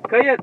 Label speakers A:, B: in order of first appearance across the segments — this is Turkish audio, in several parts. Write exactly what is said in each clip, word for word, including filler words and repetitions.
A: Kayıt.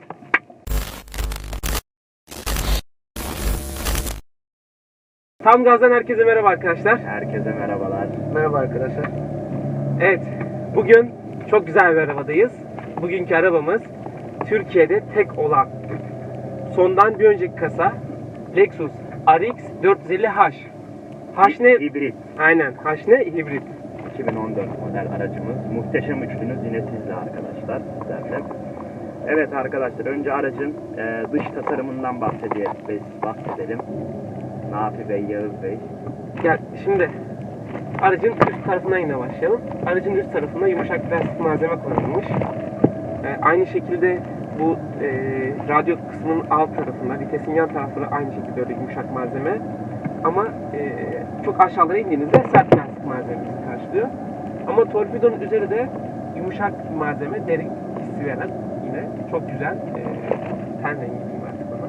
A: Tam gazdan herkese merhaba arkadaşlar.
B: Herkese merhabalar.
C: Merhaba arkadaşlar.
A: Evet, bugün çok güzel bir arabadayız. Bugünkü arabamız Türkiye'de tek olan, sondan bir önceki kasa Lexus R X dört yüz elli H. H ne?
B: Hibrit.
A: Aynen, H ne? Hibrit.
B: iki bin on dört model aracımız. Muhteşem üçlünüz yine sizle arkadaşlar. Sizlerle. Evet arkadaşlar, önce aracın e, dış tasarımından bahsedelim. Biz bahsedelim. Nafi Bey, Yağız Bey.
A: Gel şimdi aracın üst tarafından yine başlayalım. Aracın üst tarafında yumuşak plastik malzeme kullanılmış. Ee, aynı şekilde bu e, radyo kısmının alt tarafında, vitesin yan tarafları aynı şekilde öyle yumuşak malzeme. Ama e, çok aşağılara indiğinizde sert plastik malzemesi karşılıyor. Ama torpidonun üzeri de yumuşak malzeme, deri hissi veren yine çok güzel e, ten rengi diyeyim artık ona.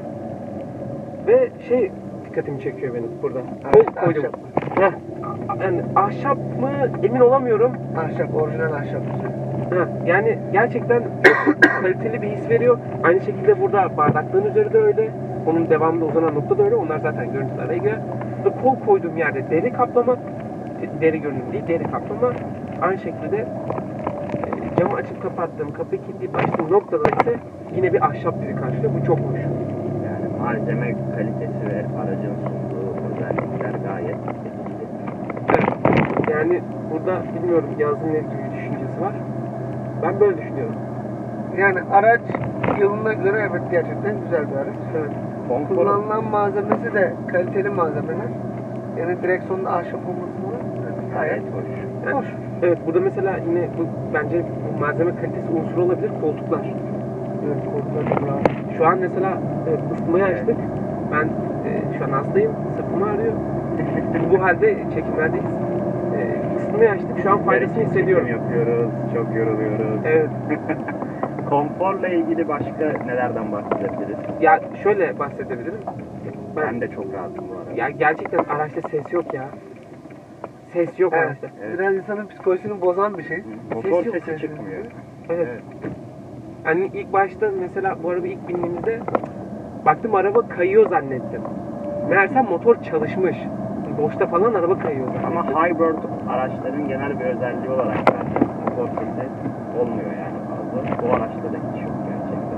A: Ve şey dikkatimi çekiyor benim burada.
C: Evet,
A: Kol koydum.
C: ahşap.
A: Heh, yani ahşap mı emin olamıyorum.
C: Ahşap, orijinal ahşap.
A: Heh, yani gerçekten kaliteli bir his veriyor. Aynı şekilde burada bardaklığın üzeri de öyle. Onun devamında uzanan nokta da öyle. Onlar zaten görüntülere girer. Ve kol koyduğum yerde deri kaplama, deri görünüm değil, deri kaplama. Aynı şekilde e, camı açıp kapattığım, kapıyı kilitleyip açtığım noktada ise yine bir ahşap bizi karşılıyor. Bu çok hoş.
B: Yani malzeme kalitesi ve aracın sunduğu özellikler gayet etkili.
A: Evet. Yani burada bilmiyorum Yaz'ın ne gibi bir düşüncesi var. Ben böyle düşünüyorum.
C: Yani araç yılına göre evet gerçekten güzel bir araç.
A: Evet.
B: Konfor,
C: Kullanılan malzemesi de kaliteli malzemeler. Yani direksiyonda ahşap olması falan
B: gayet hoş.
A: Yani,
C: hoş.
A: evet, burada mesela yine bu bence bu malzeme kalitesi unsuru olabilir koltuklar.
C: Evet, koltuklar çok rahat.
A: Şu an mesela evet, ısıtmayı açtık. Ben e, şu an hastayım. Sırtımı ağrıyor. Bu halde çekimlerdeyiz. E, ısıtmayı açtık. Şu an faydasını
B: Çekim
A: hissediyorum.
B: yapıyoruz, çok yoruluyoruz.
A: Evet.
B: Konforla ilgili başka nelerden bahsedebiliriz?
A: Ya şöyle bahsedebilirim.
B: Ben de çok rahatım bu arada.
A: Ya gerçekten araçta ses yok ya. Ses yok
C: Evet.
A: araçta.
B: Evet.
C: Biraz insanın psikolojisini bozan bir şey.
B: Motor
A: Ses yok,
B: sesi
A: ses
B: çıkmıyor.
A: Evet. Hani ilk başta mesela bu araba ilk bindiğimizde baktım araba kayıyor zannettim. Meğerse motor çalışmış. Boşta falan araba kayıyor zannettim.
B: Ama hybrid araçların genel bir özelliği olarak bence motor sesi olmuyor yani fazla. Bu araçta da hiç yok gerçekten.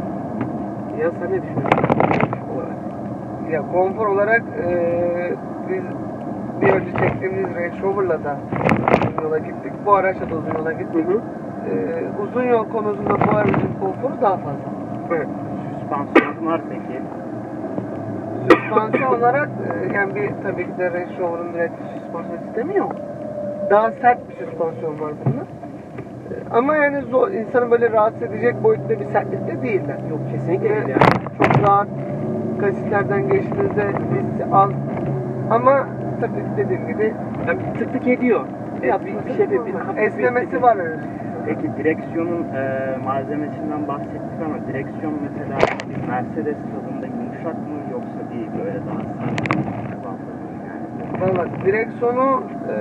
A: Ya sen ne düşünüyorsun? Olarak.
C: Ya konfor olarak eee biz bir önce çektiğimiz Range Rover'la da uzun yola gittik. Bu araçla da uzun yola gittik.
A: Hı hı.
C: Eee, uzun yol konusunda bu aracın konforu daha fazla.
A: Evet.
B: Süspansiyonlar peki?
C: Süspansiyon olarak e, yani bir tabii ki de Range Rover'ın ürettiği süspansiyon sistemi yok. Daha sert bir süspansiyon var bunda. E, Ama yani zor, insanı böyle rahatsız edecek boyutta bir sertlikte değiller.
A: Yok kesinlikle değil ya.
C: Çok rahat kasislerden geçtiğinizde hissi az. Ama tabii dediğim gibi
A: Yani bir tık tık ediyor. Evet, bir, bir şey bir, bir hafif bir-
C: esnemesi var öyle.
B: Peki direksiyonun e, malzemesinden bahsettik ama direksiyon mesela bir Mercedes tadında yumuşak mı yoksa değil böyle daha sert mi? Yani
C: Valla direksiyonu e,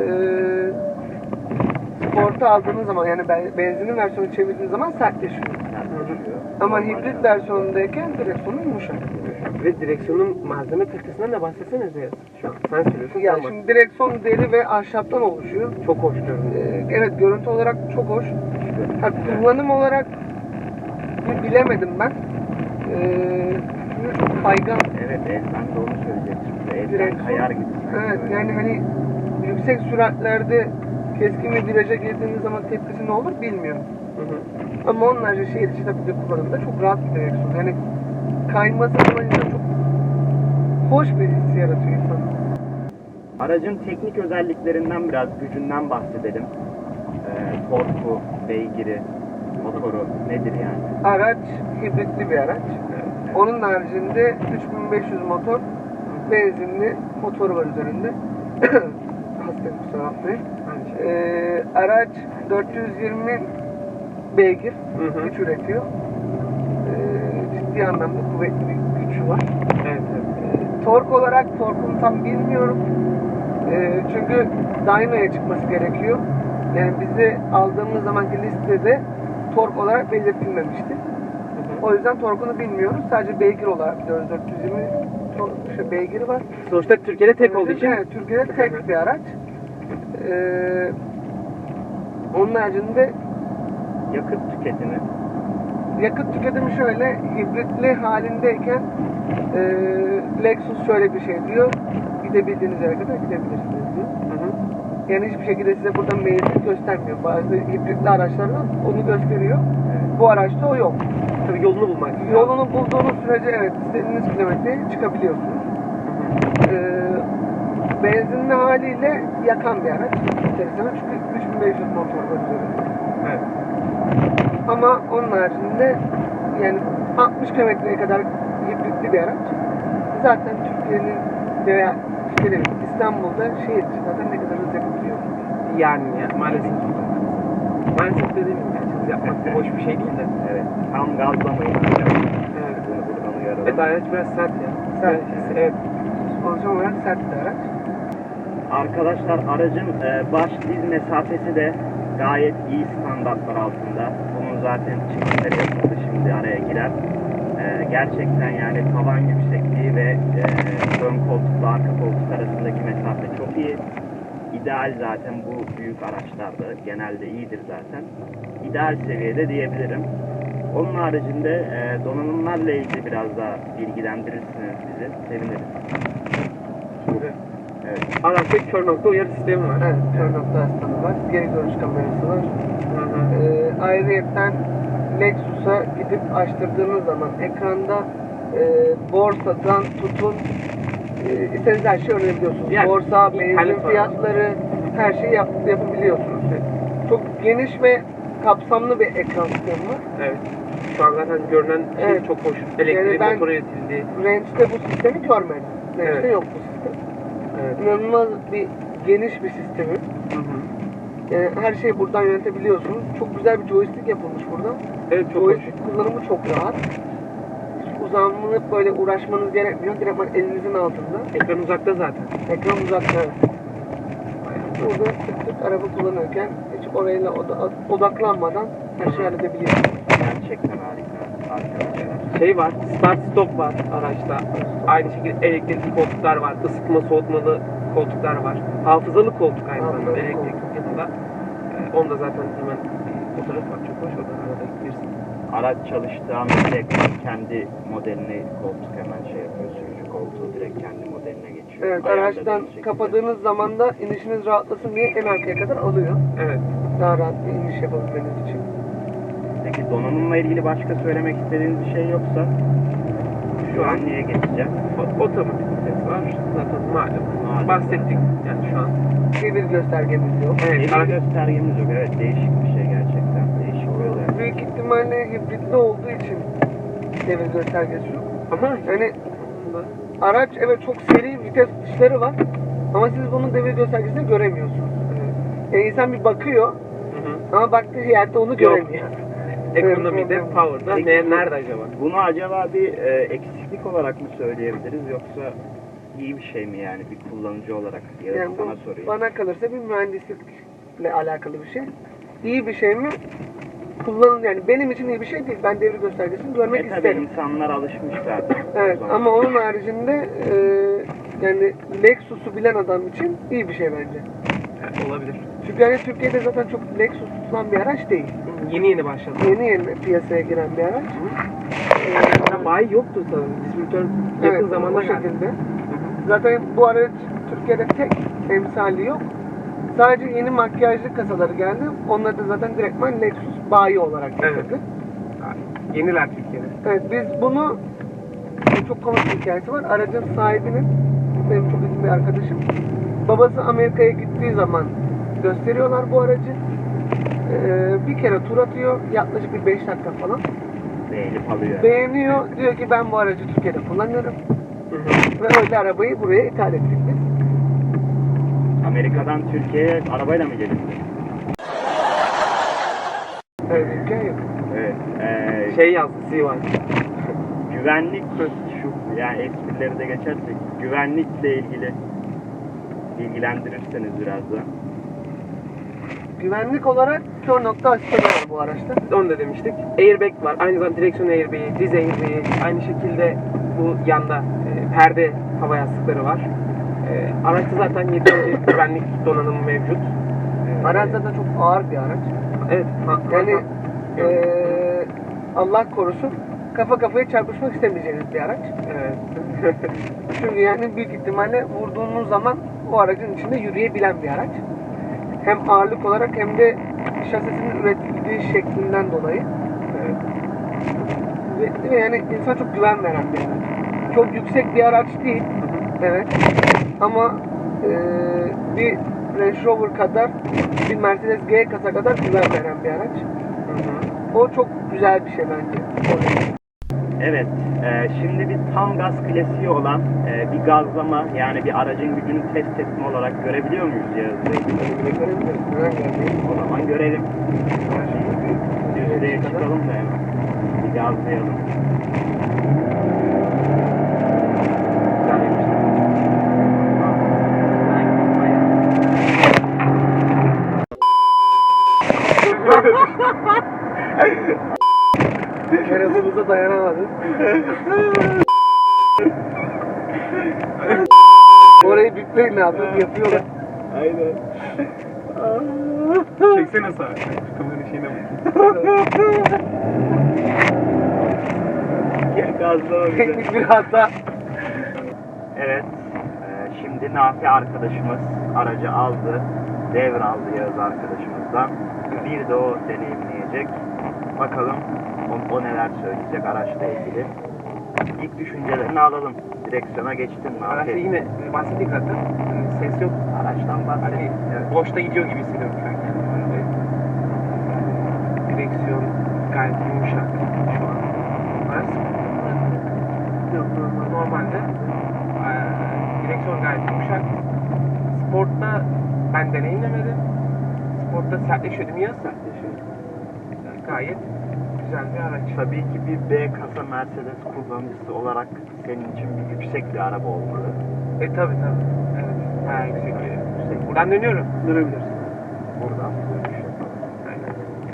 C: sporta aldığınız zaman yani ben- benzinli versiyonu çevirdiğiniz zaman sertleşiyor.
B: sertleşiyor.
C: Ama
B: Normal
C: hibrit
B: şartlarda.
C: versiyonundayken direksiyonu yumuşak.
A: Ve direksiyonun malzeme kalitesinden de bahsetsene Zeyaz. Şu an sen söylüyorsun.
C: Ya
A: sen bak.
C: şimdi direksiyon deri ve ahşaptan oluşuyor.
A: Çok hoş diyorum.
C: Ee, evet görüntü olarak çok hoş. Ha, kullanım olarak bilemedim ben. Ee, çünkü çok kaygan.
B: Evet, el, ben de onu söyleyecektim. Elden
C: Direksiyon.
B: kayar gibi. sanki
C: Evet
B: böyle.
C: yani hani yüksek süratlerde keskin bir viraja girdiğiniz zaman tepkisi ne olur bilmiyorum.
A: Hı hı.
C: Ama onlarca şehir içi tabii de kullanımda çok rahat bir direksiyon. Yani kayması falan insan çok hoş bir his yaratıyor insan.
B: Aracın teknik özelliklerinden biraz gücünden bahsedelim. Ee, torku, beygiri, motoru nedir yani?
C: Araç hibritli bir araç.
B: Evet.
C: Onun haricinde üç bin beş yüz motor, benzinli motoru var üzerinde. Hastayım kusura bakmayın.
A: Aynı şey.
C: Ee, araç dört yüz yirmi beygir
A: Hı hı.
C: güç üretiyor. Ee, ciddi anlamda kuvvetli bir gücü var.
A: Evet, evet.
C: Ee, tork olarak torkunu tam bilmiyorum. Ee, çünkü dyno'ya çıkması gerekiyor. Yani bizi aldığımız zamanki listede tork olarak belirtilmemişti. O yüzden torkunu bilmiyoruz. Sadece beygir olarak biliyoruz. dört yüz yirmi tor- şey, beygiri var.
A: Sonuçta Türkiye'de tek olduğu için
C: Evet, Türkiye'de tek bir araç. Ee, onun haricinde
B: Yakıt tüketimi.
C: yakıt tüketimi şöyle, hibritli halindeyken e, Lexus şöyle bir şey diyor. Gidebildiğiniz yere kadar gidebilirsiniz diyor.
A: Hı hı.
C: Yani hiçbir şekilde size burada menzil göstermiyor. Bazı hibritli araçlarda onu gösteriyor.
B: Evet.
C: Bu araçta o yok.
A: Tabii yolunu bulmak lazım.
C: Yolunu bulduğunuz sürece evet istediğiniz kilometreye çıkabiliyorsunuz. Ee, benzinli haliyle yakan bir araç. Enteresan. Çünkü üç bin beş yüz motor var üzerinde.
A: Evet.
C: Ama onun haricinde yani altmış kilometreye kadar hibritli bir araç. Zaten Türkiye'nin veya Türkiye'de değil, İstanbul'da şehir içi zaten ne kadar hız yapabiliyor.
A: Yani ya, maalesef. Maalesef dediğim gibi yani hız yapmak da hoş bir şey değil de.
B: Evet. Tam gazlamayın arkadaşlar.
A: Evet.
B: Bunu buradan uyaralım.
A: Evet, araç biraz sert ya.
C: Sert.
A: Evet. Evet.
C: Süspansiyon olarak sert bir araç.
B: Arkadaşlar aracın e, baş diz mesafesi de gayet iyi standartlar altında. Bunun zaten çekimleri yapıldı, şimdi araya girer. E, gerçekten yani tavan yüksekliği ve e, ön koltukla arka koltuk arasındaki mesafe çok iyi. İdeal zaten bu büyük araçlarda genelde iyidir zaten. İdeal seviyede diyebilirim. Onun haricinde e, donanımlarla ilgili biraz daha bilgilendirirsiniz bizi. Seviniriz.
A: Şimdi
B: Evet.
A: araçta kör nokta uyarı sistemi var.
C: Evet, kör nokta asistanı var. Geri görüş kamerası var.
A: Hı hı.
C: Ee, ayrıyeten Lexus'a gidip açtırdığınız zaman ekranda e, borsadan tutun e, istediğiniz her şeyi öğrenebiliyorsunuz.
A: Yani,
C: Borsa,
A: internet
C: benzin
A: var.
C: fiyatları, her şeyi yap, yapabiliyorsunuz. Çok geniş ve kapsamlı bir ekran sistemi var.
A: Evet. Şu an zaten görünen şey
C: Evet.
A: çok hoş. Elektriği
C: Yani ben-
A: motora iletildi.
C: Range'de bu sistemi görmedim. Range'de
A: Evet.
C: yok bu sistem.
A: Evet.
C: İnanılmaz bir geniş bir sistemi.
A: Hı hı.
C: Yani her şeyi buradan yönetebiliyorsunuz. Çok güzel bir joystick yapılmış burada.
A: Evet, çok hoş.
C: Joystick kullanımı çok rahat. Hiç uzanıp böyle uğraşmanız gerekmiyor. Direkt elinizin altında.
A: Ekran uzakta zaten.
C: Ekran uzakta. Burada tık tık araba kullanırken hiç orayla oda- odaklanmadan her şeyi halledebiliyorsunuz.
B: Gerçekten harika arkadaşlar.
A: Şey var, start stop var araçta. Aynı şekilde elektrikli koltuklar var, ısıtma soğutmalı koltuklar var. Hafızalı koltuk aynı zamanda
C: Hafızalı
A: elektrik
C: koltuk.
A: yanında. Ee, onda zaten hemen bir fotoğraf var, çok hoş, oradan arada girsin.
B: Araç çalıştığı an direkt kendi modelini koltuk hemen şey yapıyor. Sürücü koltuğu direkt kendi modeline geçiyor.
C: Evet,
B: Ayarladığınız
C: araçtan
B: şekilde.
C: kapadığınız zaman da inişiniz rahatlasın diye en arkaya kadar alıyor.
A: Evet.
C: Daha rahat bir iniş yapabilmeniz için.
B: Peki donanımla ilgili başka söylemek istediğiniz bir şey yoksa şu an niye geçeceğim?
A: O- Otomatik vites var. Zaten malum.
B: Malum.
A: Bahsettik yani şu an.
C: Devir göstergemiz yok.
A: Evet,
B: Devir
A: araç-
B: göstergemiz yok. Evet, değişik bir şey gerçekten. Değişik bir özellik.
C: Büyük ihtimalle hibritli olduğu için devir göstergesi yok.
A: ama
C: Yani araç evet çok seri vites tuşları var ama siz bunun devir göstergesini göremiyorsunuz. Yani insan bir bakıyor
A: Hı hı.
C: ama baktığı yerde onu göremiyor.
A: Ekonomide,
C: Evet,
A: power'da
B: Peki
A: ne,
B: bu-
A: nerede acaba?
B: Bunu acaba bir e, eksiklik olarak mı söyleyebiliriz yoksa iyi bir şey mi yani bir kullanıcı olarak? Ya
C: Yani
B: sana
C: bu
B: sorayım.
C: bana kalırsa bir mühendislikle alakalı bir şey. İyi bir şey mi? Kullanın yani benim için iyi bir şey değil. Ben devir göstergesini görmek
B: E tabi
C: isterim.
B: insanlar alışmış zaten.
C: Evet
B: O zaman.
C: ama onun haricinde e, yani Lexus'u bilen adam için iyi bir şey bence.
A: Evet, olabilir.
C: Çünkü yani Türkiye'de zaten çok Lexus tutulan bir araç değil.
A: Yeni yeni başladı.
C: Yeni yeni piyasaya giren bir araç.
A: Ya bayi yoktu sanırım. Distribütör yakın
C: Evet,
A: zamanda
C: o
A: geldi.
C: şekilde. Zaten bu araç Türkiye'de tek emsali yok. Sadece yeni makyajlı kasaları geldi. Onları da zaten direktman Lexus bayi olarak
A: Evet.
C: getirdi.
A: Yeniler Türkiye'de.
C: Evet, biz bunu çok komik bir hikayesi var. Aracın sahibinin benim çok yakın bir arkadaşım. Babası Amerika'ya gittiği zaman gösteriyorlar bu aracı. Ee, bir kere tur atıyor. Yaklaşık bir beş dakika falan.
B: Beğenip alıyor.
C: Beğeniyor. Diyor ki ben bu aracı Türkiye'de kullanıyorum.
A: Hı hı.
C: Ve öyle arabayı buraya ithal ettik biz.
B: Amerika'dan Türkiye'ye arabayla mı gelindi?
C: Öyle bir hikaye yok.
B: Evet. E,
A: Şey yazdı, C bir.
B: güvenlik şu yani esprileri de geçersek güvenlikle ilgili bilgilendirirseniz biraz da.
C: Güvenlik olarak kör nokta asistanı var bu araçta.
A: Onu da demiştik. Airbag var. Aynı zamanda direksiyon airbag'i, diz airbag'i. Aynı şekilde bu yanda e, perde hava yastıkları var. E, araçta zaten yeterince güvenlik donanımı mevcut. E,
C: Araç zaten çok ağır bir araç.
A: Evet. Ha,
C: Yani
A: ha-
C: eee Allah korusun kafa kafaya çarpışmak istemeyeceğiniz bir araç.
A: Evet.
C: Çünkü yani büyük ihtimalle vurduğunuz zaman o aracın içinde yürüyebilen bir araç. Hem ağırlık olarak hem de şasisinin üretildiği şeklinden dolayı.
A: Evet.
C: Ve, ve yani insan çok güven veren bir araç. Çok yüksek bir araç değil. Evet. Ama eee, bir Range Rover kadar, bir Mercedes G kasa kadar güven veren bir araç.
A: Hı hı.
C: O çok güzel bir şey bence.
B: Evet, e, şimdi bir tam gaz klasiği olan e, bir gazlama, yani bir aracın gücünü test etme olarak görebiliyor muyuz Yağız Bey?
C: Güven geldi.
B: O zaman görelim. Düzlüğe çıkalım da hemen. Bir gazlayalım.
A: Güzel yapmışlar.
C: Bir kere hızımıza dayanamadık. Orayı bipleyin abi, yapıyorlar.
B: Aynen.
A: Çeksene sağa. Kameranın şeyine bak.
B: Gel gazlama bize.
C: Teknik bir hata.
B: Evet, e, şimdi Nafi arkadaşımız aracı aldı, devraldı Yağız arkadaşımızdan. Bir de o deneyimleyecek. Bakalım o, o neler söyleyecek araçla ilgili. İlk düşüncelerini alalım. Direksiyona geçtin mi?
A: Araçta
B: Nafi?
A: yine bahsettik zaten. Yani ses yok.
B: Araçtan bahset.
A: Hani
B: Evet.
A: boşta gidiyor gibi hissediyorum şu an kendimi. Direksiyon gayet yumuşak şu an. Araç yok, normalde eee, direksiyon gayet yumuşak. Sportta ben deneyimlemedim. Sportta sertleşiyor değil mi ya? Sertleşiyor. Yani gayet güzel bir araç.
B: Tabii ki bir B kasa Mercedes kullanıcısı olarak senin için bir yüksek bir araba olmalı.
A: E tabi tabi. Evet. Bayağı yüksek bir. Yüksek. Buradan dönüyorum. Dönebilirsin.
B: Buradan dönüş yapalım.
A: Aynen.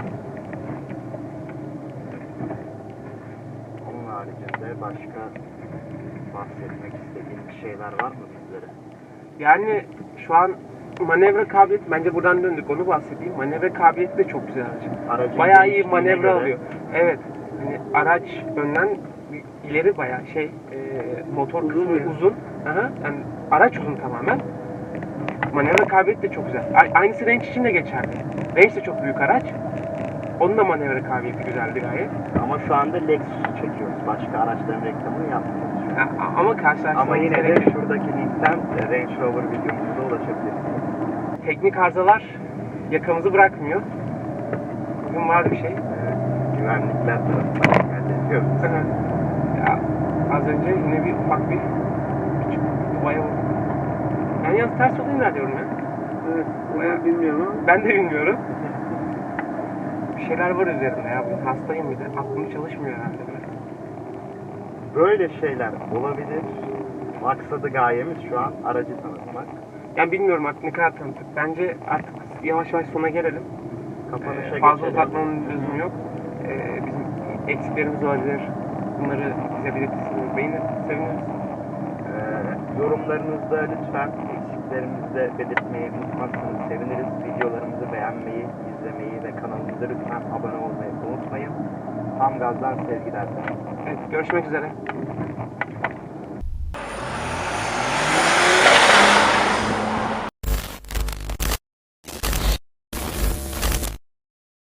B: Onun haricinde başka bahsetmek istediğin bir şeyler var mı bizlere?
A: Yani şu an manevra kabiliyeti, bence buradan döndük onu bahsedeyim. Manevra kabiliyeti de çok güzel araç.
B: Aracın
A: Bayağı iyi
B: genişliğine
A: manevra
B: göre-
A: alıyor. Evet. Hani araç önden ileri bayağı şey e, motor
C: Uzun
A: kısmı
C: yani.
A: uzun. Aha, yani araç uzun tamamen. Manevra kabiliyeti de çok güzel. A- Aynısı Range için de geçerli. Range de çok büyük araç. Onun da manevra kabiliyeti güzeldi gayet.
B: Ama şu anda Lexus'u çekiyoruz. Başka araçların reklamını yapmıyoruz.
A: Ha, a- ama karşılaştırmamız
B: Ama yine de
A: gerekiyor.
B: şuradaki linkten e, Range Rover videomuza ulaşabilirsiniz.
A: Teknik arızalar yakamızı bırakmıyor. Bugün var bir şey.
B: Evet, güvenlikler tarafından hallediyoruz.
A: Ya, az önce yine bir ufak bir küçük duvaya vurdum. Ben yalnız ters yolda ilerliyorum ya.
C: Evet,
A: Bayağı-
C: ben bilmiyorum ama.
A: Ben de bilmiyorum. Bir şeyler var üzerinde ya. Ben hastayım bir de. Aklım çalışmıyor herhalde. Böyle.
B: Böyle şeyler olabilir. Maksadı gayemiz şu an aracı tanıtmak.
A: Yani bilmiyorum artık ne kadar tanıttık. Bence artık yavaş yavaş sona gelelim.
B: Kapanışa
A: Ee, fazla
B: geçelim.
A: uzatmanın lüzumu yok. Ee, bizim eksiklerimiz olabilir. Bunları bize belirtirseniz beğenirsiniz, seviniriz.
B: Ee, yorumlarınızda lütfen eksiklerimizi de belirtmeyi unutmazsanız seviniriz. Videolarımızı beğenmeyi, izlemeyi ve kanalımıza lütfen abone olmayı unutmayın. Tam gazdan sevgiler.
A: Evet, görüşmek üzere.